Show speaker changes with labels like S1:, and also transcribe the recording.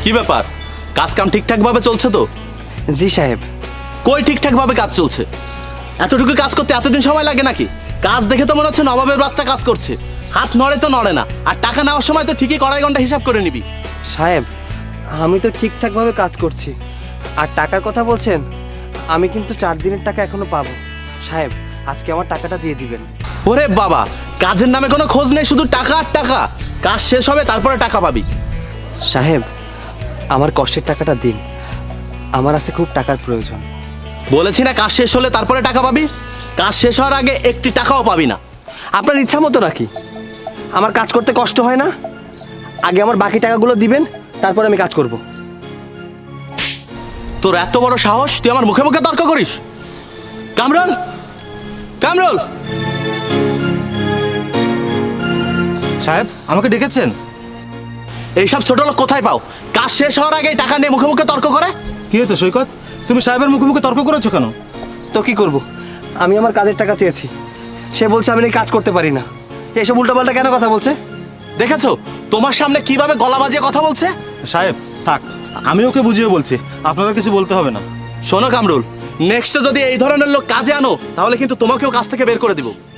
S1: কি ব্যাপার, কাজ কাম ঠিকঠাক ভাবে চলছে তো?
S2: জি সাহেব।
S1: কই ঠিকঠাক ভাবে কাজ চলছে? এতটুকু কাজ করতে এতদিন সময় লাগে নাকি? কাজ দেখে তো মনে হচ্ছে নবাবের বাচ্চা কাজ করছে। হাত নড়ে তো নড়ে না, আর টাকা নেওয়ার সময় তো ঠিকই কড়াই ঘন্টা হিসাব করে নিবি।
S2: সাহেব, আমি তো ঠিকঠাকভাবে কাজ করছি। আর টাকার কথা বলছেন, আমি কিন্তু 4 দিনের টাকা এখনো পাবো। সাহেব, আজকে আমার টাকাটা দিয়ে দিবেন।
S1: ওরে বাবা, কাজের নামে কোনো খোঁজ নেই, শুধু টাকা আর টাকা। কাজ শেষ হবে তারপরে টাকা পাবি।
S2: সাহেব, আমার কষ্টের টাকাটা দিন, আমার আছে খুব টাকার প্রয়োজন।
S1: বলেছি না কাজ শেষ হলে তারপরে টাকা পাবি? কাজ শেষ হওয়ার আগে একটি টাকাও পাবি না।
S2: আপনার ইচ্ছা মতো নাকি? আমার কাজ করতে কষ্ট হয় না? আগে আমার বাকি টাকাগুলো দিবেন, তারপর আমি কাজ করব।
S1: তোর এত বড় সাহস, তুই আমার মুখে মুখে তর্ক করিস? কামরুল, কামরুল!
S3: সাহেব, আমাকে ডেকেছেন?
S1: এইসব ছোট লোক কোথায় পাও? কাজ শেষ হওয়ার আগে টাকা নিয়ে মুখে মুখে তর্ক করে।
S3: কি হয়েছে সৈকত? তুমি সাহেবের মুখে মুখে তর্ক করেছো কেন?
S2: তো কি করব? আমি আমার কাজের টাকা চেয়েছি, সে বলছে আমি নাকি কাজ করতে পারি না। এসব উল্টাপাল্টা কেন কথা বলছে?
S1: দেখেছো তোমার সামনে কিভাবে গলা বাজিয়ে কথা বলছে?
S3: সাহেব থাক, আমি ওকে বুঝিয়ে বলছি, আপনারা কিছু বলতে হবে না।
S1: শোনো কামরুল, নেক্সট যদি এই ধরনের লোক কাজে আনো তাহলে কিন্তু তোমাকেও কাজ থেকে বের করে দিব।